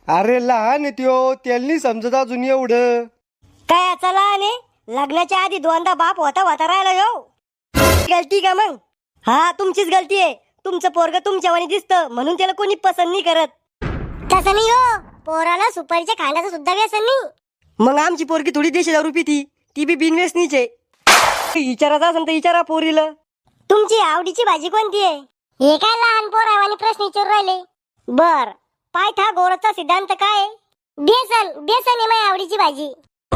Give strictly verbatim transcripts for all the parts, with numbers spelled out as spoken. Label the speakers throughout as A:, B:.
A: अरे लहान आहे त्यो, त्यांनी समजत अजून एवढं.
B: काय याचा लहान आहे? लग्नाच्या आधी दोनदा बाप होता होता राहिला यो. गलती का मग? हा तुमचीच गलती आहे. तुमचं पोरग तुमच्यावानी दिसतं म्हणून त्याला कोणी पसंत नाही करत.
C: तसं नाही हो, पोराला सुपारीच्या खाण्याचं सुद्धा व्यसन नाही.
A: मग आमची पोरगी थोडी देशी दारू पिती, ती बी बिनव्यसनीच आहे. विचारायचं असेल तर विचारा पोरीला.
C: तुमची आवडीची भाजी कोणती आहे? हे काय लहान पोरावानी प्रश्न विचारू राहिले. बर, पायथागोरसचा सिद्धांत काय आहे? बेसन बेसन आहे माझी आवडीची भाजी.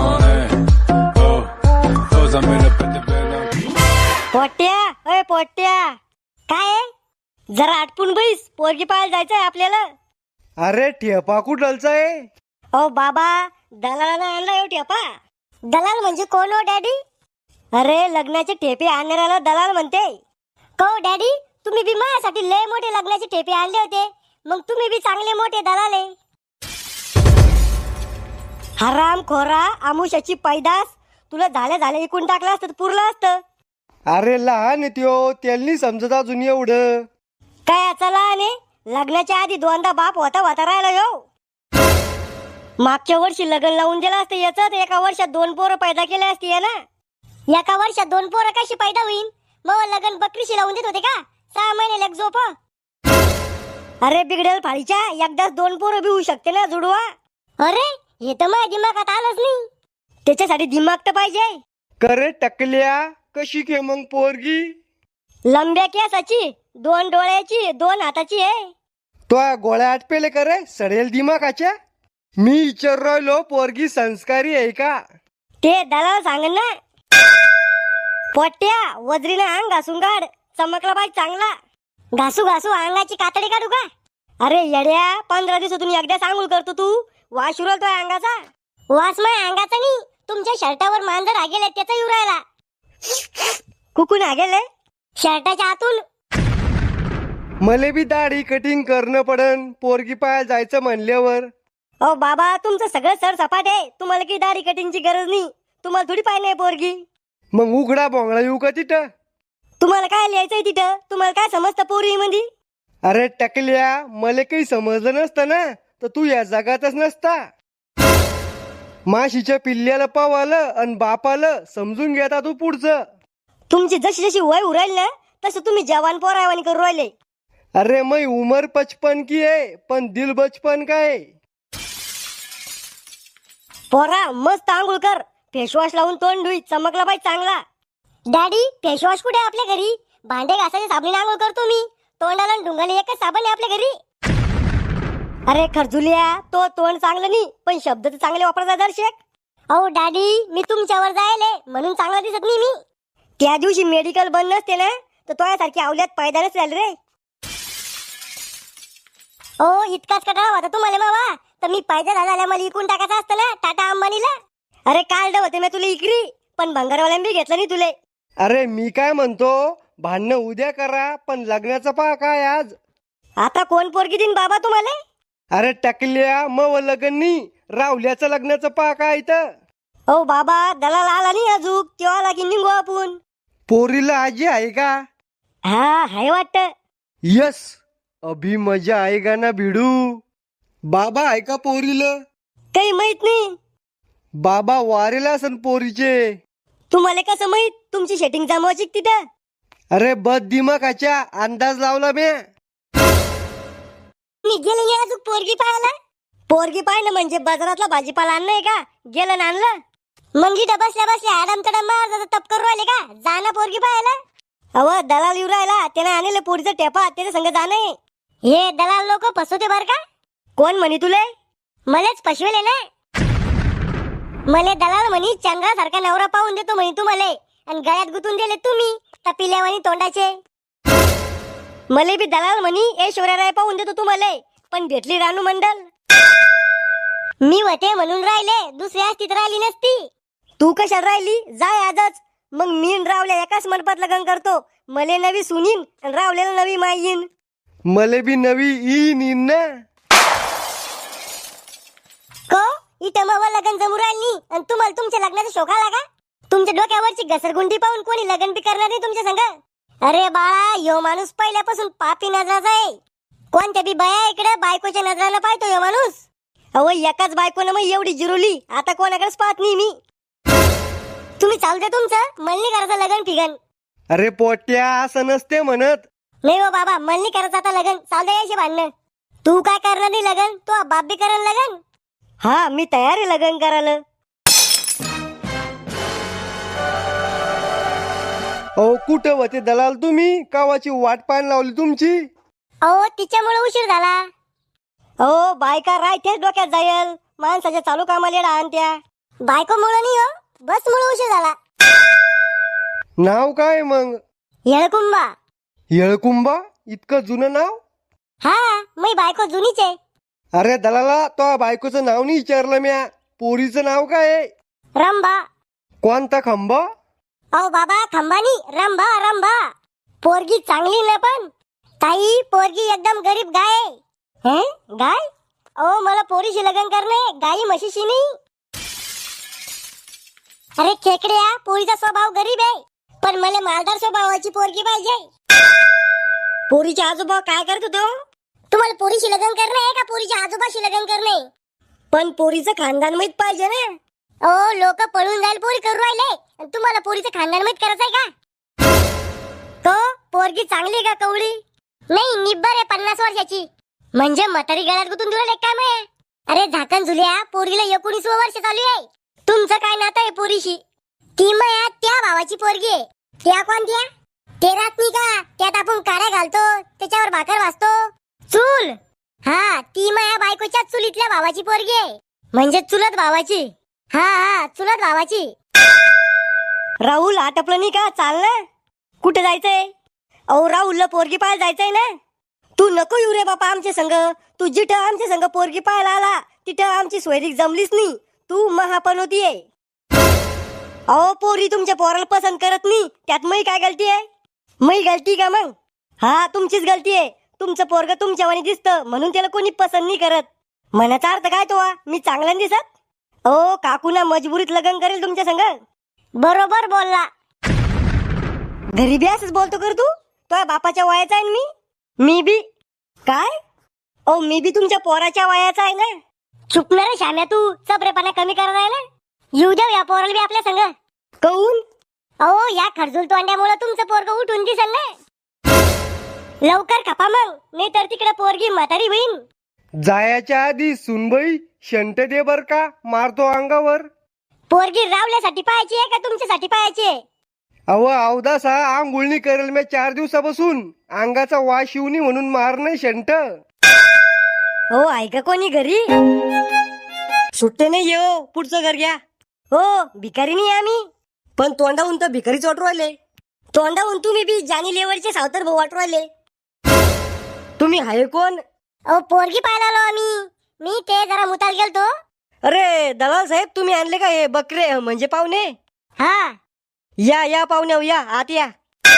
B: पोट्या अय पोट्या,
C: काय आहे?
B: जरा आटपून बैस, पोरगी पाहायला जायचंय आपल्याला.
A: अरे ठेपा कुठलचा आहे?
B: ओ बाबा, दलालानं आणला यो ठेपा.
C: दलाल म्हणजे कोण हो डॅडी?
B: अरे लग्नाचे ठेपे आणणाऱ्याला दलाल म्हणते.
C: को डॅडी, तुम्ही बी माझ्यासाठी लय मोठे लग्नाचे ठेपे आणले होते, मग तुम्ही बी चांगले मोठे दलाल आहे.
B: हराम खोरा, आमुष्याची पैदास, तुला झाल्या झाल्या इकून टाकलं असतं तर पुरलं असतं.
A: अरे लहान आहे त्यो, त्यांनी समजत अजून एवढं.
B: काय याचा लहान आहे? लग्नाच्या आधी दोनदा बाप होता होता राहिला यो. मागच्या वर्षी लग्न लावून दिलं असतं याच, एका वर्षात दोन पोरं पैदा केले असते या ना.
C: एका वर्षात दोन पोरं कशी पैदा होईल? मग लग्न बकरीशी लावून देत होते का? सहा महिने लग झोप.
B: अरे बिघडेल फाळीच्या, एकदाच दोन पोरं बी होऊ शकते ना जुडवा.
C: अरे हे तर माझ्या दिमागात आलंच नाही.
B: त्याच्यासाठी दिमाग तर पाहिजे.
A: करे टकल्या, कशी के मग पोरगी?
B: लंब्या केसाची, दोन डोळ्याची, दोन हाताची आहे.
A: तो गोळ्या आटपेले करे सडेल दिमागाच्या. मी विचार राहिलो पोरगी संस्कारी आहे का?
B: ते दलाल सांग ना. पोट्या, वजरीनं अंग घासून काढ, चमकला पाहिजे चांगला.
C: घासू घासू अंगाची कातडी काढू का?
B: अरे येड्या, पंधरा दिवसातून एकदा सांगूल करतो तू. वास उरलतोय अंगाचा.
C: वास माझ्या अंगाचा नाही, तुमच्या शर्टावर मांजर आगेले त्याचा येऊ राहिला.
B: कुकून गेले
C: शर्टाच्या आतून.
A: मले बी दाढी कटिंग करणं पडन पोरगी पाहायला जायचं म्हणल्यावर.
B: ओ बाबा, तुमचं सगळं सर सपाट आहे. तुम्हाला काही दाढी कटिंगची गरज नाही. तुम्हाला थोडी पाहिजे पोरगी.
A: मग उघडा बोंगळा येऊ का तिथं?
B: तुम्हाला काय लिहायचंय तिथं? तुम्हाला काय समजतं पोरी मध्ये?
A: अरे टकल्या, मले काही समजलं नसतं ना तर तू या जगातच नसता. माशीच्या पिल्ल्याला पावालं आणि बापालं समजून घेता तू पुढचं.
B: तुमची जशी जशी वय उरायली ना तसं तुम्ही जवान पोरावानी करू राहिले.
A: अरे मै उमर पचपन की आहे पण दिल बचपन काय.
B: पोरा मस्त आंघोळ कर, फेसवॉश लावून तोंड धुई, चमकला पाहिजे चांगला.
C: डॅडी, फेसवॉश कुठे आपल्या घरी? भांडे घासायचे साबणीने आंघोळ करतो मी. तोंडाला ढुंगाला एकच साबण आहे आपल्या घरी.
B: अरे खरजुलिया, तो तोंड चांगलं नाही पण शब्द तर चांगले वापरता दर्शक.
C: अहो डॅडी, मी तुमच्यावर जायले म्हणून चांगला दिसत नाही मी.
B: त्या दिवशी मेडिकल बंद नसते ना तर तो यासारखी आवल्यात पैदा नसेल रे.
C: ओ इतकाच कटाळा होता तुम्हाला मावा, तर मी पायदा झाला मला इकून टाकायचं असतं ना टाटा अंबानीला.
B: अरे काल होते मी तुला इकरी, पण भंगारवाल्यान बी घेतलं नाही तुले.
A: अरे मी काय म्हणतो, भांडणं उद्या करा पण लग्नाचं पहा काय आज.
B: आता कोण पोरगी देईन बाबा तुम्हाला?
A: अरे टकल्या, मग लग्न नाही, रावल्याचं लग्नाचं पहा काय इथं.
B: ओ बाबा, दलाल आला नाही अजून, तेव्हा लागी निघू आपण.
A: पोरीला आजी आहे का?
B: हा हाय वाटत.
A: यस, अभी मजा आएगा ना भिडू. बाबा आहे का पोरीला?
B: काही माहित नाही.
A: बाबा वारेला असन पोरीचे.
B: तुम्हाला कसं माहित? तुमची सेटिंग जमवायची तिथं.
A: अरे बद दिमागाच्या अंदाज लावला मी.
C: मी गेले नाही अजून पोरगी पाहायला.
B: पोरगी पाहिलं म्हणजे बाजारातला भाजीपाला आणलंय का? गेलं ना आणलं.
C: मग इथं बसल्या बसल्या आडम तडम मार तप करू राहिले का? जाणं पोरगी पाहायला.
B: अव दलाल येऊ राहिला, त्याने आणले पोरीचा टेपा, त्याच्या संग जाणं.
C: हे दलाल लोक फसवते बर का?
B: कोण म्हणे तुले?
C: मलेच फसवेले ना. मले दलाल म्हणी चंद्रासारखा नवरा पाहून देतो म्हणे तुम्हाला, आणि गळ्यात गुतून दिले तुम्ही तपिल्यावानी तोंडाचे.
B: मले बी दलाल म्हणी ऐश्वर्या राय पाहून देतो तुम्हाला, पण भेटली रानू मंडल.
C: मी होते म्हणून राहिले, दुसरी असती तर राहिली नसती.
B: तू कशाला राहिली? जाय आजच. मग मी न रावल्या एकाच मंडपात लग्न करतो. मले नवी सुनीन आणि रावल्याला नवी माई येईन.
A: मले बी नवी ईन ईन ना.
C: को इथं मग लग्न जमू राहिली आणि तुम्हाला तुमच्या लग्नाचा शोक आला का? तुमच्या डोक्यावरची घसरगुंडी पाहून कोणी लग्न बी करणार नाही तुमच्या संग. अरे बाळा, यो माणूस पहिल्यापासून पापी नजराचा आहे. कोणत्या बी बया इकडे बायकोच्या नजरानं पाहतो यो माणूस.
B: अहो एकाच बायकोनं मग एवढी जिरवली, आता कोणाकडेच पाहत नाही मी.
C: तुम्ही चालू द्या तुमचं, मला नाही करायचं लगन फिगन.
A: अरे पोट्या असं नसते म्हणत.
C: नाही हो बाबा, मला नाही करायचं आता लगन. चालू द्या यायचे भांडणं. तू काय करणार नाही लगन? तू बाप बी करण लगन.
B: हा मी तयार आहे लग्न करायला.
A: अहो कुठं होते दलाल तुम्ही, कावाची वाट पाहायला लावली तुमची.
C: अहो तिच्यामुळे उशीर झाला.
B: अहो बायका राहतेच डोक्यात जायल, माणसाच्या चालू कामाला येडा आणत्या.
C: बायको मुळे नाही हो, बस मुळे उशीर झाला.
A: नाव काय मग?
C: येळकुंबा.
A: येळकुंबा? इतकं जुनं नाव?
C: हा, मी बायको जुनीच आहे.
A: अरे दलाला, तो बायकोचं नाव नाही विचारलं म्या, पोरीचं नाव काय आहे?
C: रंभा.
A: कोणता खंबा?
C: अहो बाबा, खंबानी रंभा रंभा. पोरगी चांगली ना पण ताई, पोरगी एकदम गरीब गाय आहे.
B: हैं गाय?
C: अहो मला पोरीशी लग्न करणे, गाई म्हशीशी नाही. अरे खेकड्या, पोरीचा स्वभाव गरीब आहे, पण मला मालदार स्वभावाची पोरगी पाहिजे.
B: पोरीचे आजोबा काय करत होते हो?
C: तुम्हाला पोरीशी लग्न करणे आहे का पोरीच्या आजोबाशी लग्न करणे?
B: पण पोरीचं खानदान माहित पाहिजे ना.
C: ओ लोक पळून जाईल पोरी करू राहिले, आणि तुम्हाला पोरीचं खानदान माहित करायचंय का? तो पोरगी चांगली का कवळी? नाही, निब्बर आहे पन्नास वर्षाची. म्हणजे म्हातारी गळ्यात गुतून दिलं काम आहे. अरे झाकण झुल्या, पोरीला एकोणीसवं वर्ष चालू आहे. तुमचं काय नातं आहे पोरीशी? ती मया त्या भावाची पोरगी आहे. त्या कोणत्या? ते रातनी का त्यात आपण काड्या घालतो, त्याच्यावर भाकर वाजतो. चूल. हा, ती माया बायकोच्या चुलीतल्या भावाची पोरगी आहे. म्हणजे चुलत भावाची. हा हा, चुलत भावाची.
B: राहुल आटपलं नाही का? चाल ना. कुठे जायचंय? अहो राहुलला पोरगी पाहायला जायचंय ना. तू नको येऊ रे बापा आमच्या संग. तू जिथं आमच्या संग पोरगी पाहायला आला तिथं आमची सोयरीक जमलीच नाही. तू महापनोती आहे. अहो पोरी तुमच्या पोराला पसंत करत नाही, त्यात मै काय गलती आहे? मै गलती का मग? हा तुमचीच गलती आहे. तुमचं पोरग तुमच्यावानी दिसतं म्हणून त्याला कोणी पसंत नाही करत. मनाचा अर्थ काय तो? मी चांगला नाही दिसत? ओ काकूना मजबुरीत लग्न करेल तुमच्या संग.
C: बरोबर बोलला.
B: घरी बी असंच बोलतो कर तू? तो बापाच्या वयाचा आहे मी. मी बी काय? ओ मी बी तुमच्या पोराच्या वयाचा आहे ना.
C: चुकणार शाम्या, तू चपरेपणा कमी करायला आहे ना. येऊ द्या या पोराला बी आपल्या संग.
B: कौन?
C: अहो या खडजूल तोंड्यामुळे तुमचं पोरग उठून दिसल ना. लवकर खपा मग, नाही तर तिकडे पोरगी म्हातारी होईन.
A: जायाच्या आधी सुनबाई शंट दे बर का, मारतो अंगावर.
C: पोरगी रावल्यासाठी पाहायची आहे का तुमच्यासाठी पाहायची आहे?
A: अव अवदासा आंघोळणी करेल मी चार दिवसापासून, अंगाचा वास शिवणी म्हणून मार नाही शंट.
B: हो आहे का कोणी घरी? सुट्टे नाही येऊ, पुढचं घर घ्या. हो भिकारी नाही आम्ही, पण तोंडाहून तर भिकारीच वाटू राहिले. तोंडाहून तुम्ही बी जानी लेवलचे सावतर भाऊ वाटू राहिले. तुम्ही आहे कोण?
C: अहो पोरगी पाहायला आलो आम्ही. मी ते जरा मुताल गेलतो.
B: अरे दलाल साहेब, तुम्ही आणले का हे बकरे म्हणजे पाहुणे?
C: हा
B: या या पाहुणे हो, या आत या.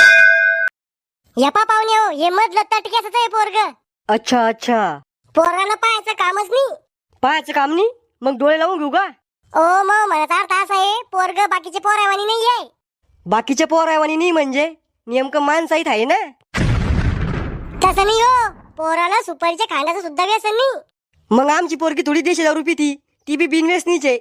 C: यपा पाहुणे हो, हे मधलं तटक्याच आहे पोरग.
B: अच्छा अच्छा,
C: पोराला पाहायचं कामच नाही.
B: पाहायचं काम नाही मग डोळे लावून घेऊ का?
C: ओ मग म्हणत अर्थ असा आहे, पोरग बाकीचे पोरावानी नाही आहे.
B: बाकीचे पोरावानी नाही म्हणजे नेमकं माणसाहीत आहे ना.
C: तसं नाही हो, पोराला सुपारीच्या खांड्याचं सुद्धा व्यसन नाही.
B: मग आमची पोरगी थोडी देशी दारू पिती, ती बी बिनवेसनीचे.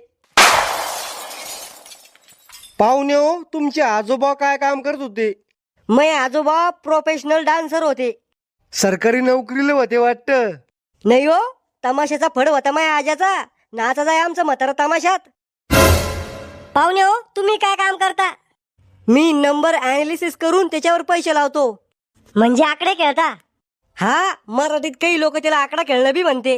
A: पाहुणे हो, तुमचे आजोबा काय काम करत होते?
B: मै आजोबा प्रोफेशनल डान्सर होते.
A: सरकारी नोकरीला होते वाटतं.
B: नाही हो, तमाशाचा फड होता माया आजाचा. नाचाचा आहे आमचा म्हातारा तमाशात. पाहुणे हो, तुम्ही काय काम करता? मी नंबर अनालिसिस करून त्याच्यावर पैसे लावतो. म्हणजे आकडे खेळता? हा, मराठीत काही लोक त्याला आकडा खेळणं बी म्हणते.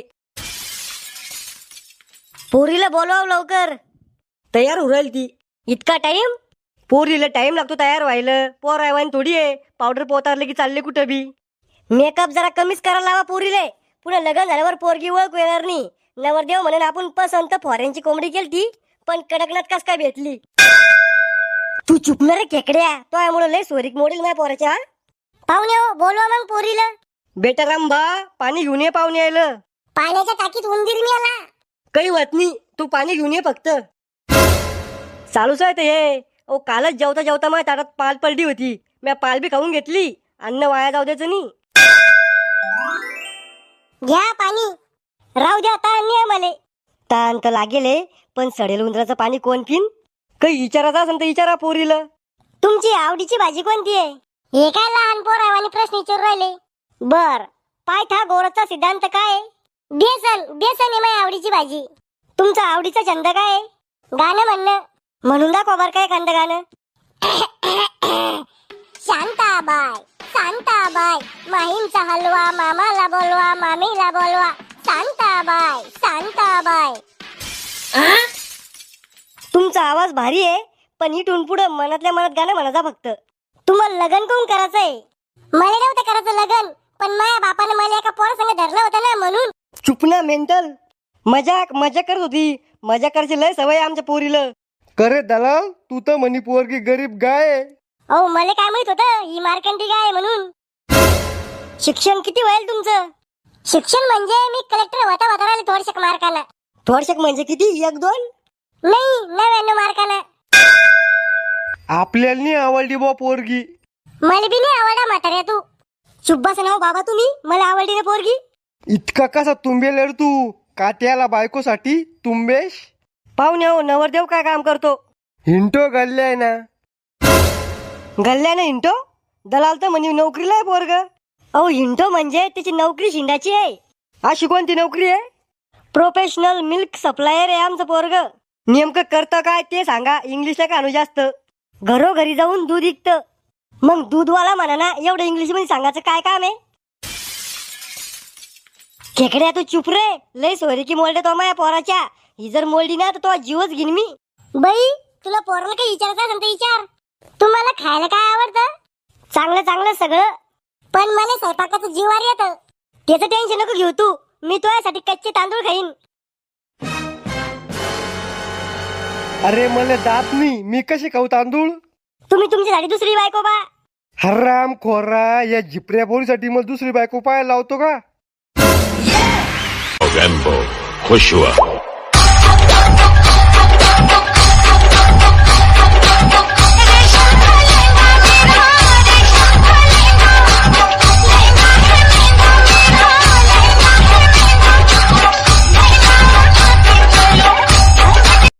B: पोरीला बोलवाव लवकर, तयार होऊ राहील ती. इतका टाइम? पोरीला टाइम लागतो तयार व्हायला. पोर आहे थोडी आहे, पावडर पोतारले की चालले कुठं बी. मेकअप जरा कमीच करायला लावा पोरीले. पुढे लग्न झाल्यावर पोरगी ओळख येणार नाही. नवरदेव म्हणून आपण पसंत फॉरेनची कोंबडी केलती, पण कडकनाथ कस काय भेटली. तू चुकणार रे खेकड्या, तो यामुळे लय सोरीक मोडील माझ्या पोराच्या.
C: पाहुणे हो, बोलवा मग पोरीला.
B: बेटा रामबा, पाणी घेऊन ये पाहुणे यायला.
C: पाण्याच्या टाकीत उंदीर मिळाला.
B: काही होत नाही, तू पाणी घेऊन ये फक्त. चालूच आहे ते हे. ओ कालच जेवता जेवता माझ्या ताटात पाल पलटी होती. मी पाल बी खाऊन घेतली. अन्न वाया जाऊ द्यायचं नाही.
C: घ्या पाणी. राहू द्या आता, अन्य मले.
B: ताण तर लागेल हे, पण सडेल उंदराचं पाणी कोण पिन? काही विचारायचं असेल तर विचारा पोरीला.
C: तुमची आवडीची भाजी कोणती आहे? हे काय लहान पोरावानी प्रश्न विचारू राहिले.
B: बर, पायथागोरसचा सिद्धांत काय आहे?
C: बेसन बेसन आहे माझी आवडीची भाजी.
B: तुमचा आवडीचा छंद काय आहे?
C: गाणं म्हणणं.
B: म्हणून दाखवा बर काय एखादं गाणं.
C: शांताबाई शांताबाई माहीमचा हलवा मामाला बोलवा मामीला बोलवा शांताबाई शांताबाई.
B: तुमचा आवाज भारी आहे, पण इथून पुढे मनातल्या मनात गाणं म्हणायचा फक्त.
C: तुम्हाला लग्न कोण करायचंय? मला नव्हतं करायचं लग्न, पण माझ्या बापाने मला एका पोरासंग धरलं होतं ना, म्हणून.
B: चुप ना मेंटल. मजाक मजा करत होती. मजा करायची लय सवय आहे आमच्या पोरीला.
A: करे दलाल, तू तर म्हणी पोरगी गरीब गाय आहे.
C: अहो मला काय माहित होतं ही मार्कंडी गाय आहे म्हणून.
B: शिक्षण किती होईल तुमचं?
C: शिक्षण म्हणजे मी कलेक्टर होता होता राहिले थोडशे मार्कानं.
B: थोडशक म्हणजे किती? एक दोन?
C: नाही, नव्याण्णव मार्कानं.
A: आपल्याला नाही आवडली बा पोरगी.
C: मला बी नाही आवडा म्हाताऱ्या तू.
B: चुप बसा ना हो बाबा तुम्ही. मला आवडली ना पोरगी.
A: इतका कसा तुंबेल रे तू? काट्याला बायकोसाठी तुंबेश?
B: पाहुणे हो, नवरदेव काय काम करतो?
A: हिंटो गल्ल्याय ना.
B: गल्ल्याने हिंटो? दलाल तर म्हणे नोकरीला आहे पोरग. अहो हिंटो म्हणजे त्याची नोकरी शिंडाची आहे. अशी कोणती नोकरी आहे? प्रोफेशनल मिल्क सप्लायर आहे आमचं पोरग. नेमकं करतं काय ते सांगा. इंग्लिशला का आणू जास्त. घरोघरी जाऊन दूध विकतं. मग दूधवाला म्हणा ना, एवढं इंग्लिश मध्ये सांगायचं काय काम आहे? खेकड्या तू चुप रे. लय सोयरी की मोलडे तो माझ्या पोराच्या. ही जर मोलडी ना तर तो जीवच घेईन मी.
C: बाई तुला पोराला काही विचारायचं असेल तर विचार. तुम्हाला खायला काय आवडतं?
B: चांगलं चांगलं सगळं.
C: पण मला स्वयंपाकाचं जीवार येतं.
B: त्याचं टेन्शन नको घेऊ तू. मी तुझ्यासाठी कच्चे तांदूळ खाईन.
A: अरे मला दात नाही, मी कशी खाऊ तांदूळ?
B: तुम्ही तुमच्यासाठी दुसरी बायको बा.
A: हराम खोरा, या झिपऱ्या पोरीसाठी मला दुसरी बायको पाहायला लावतो का?
D: Gambo, खुश हुआ.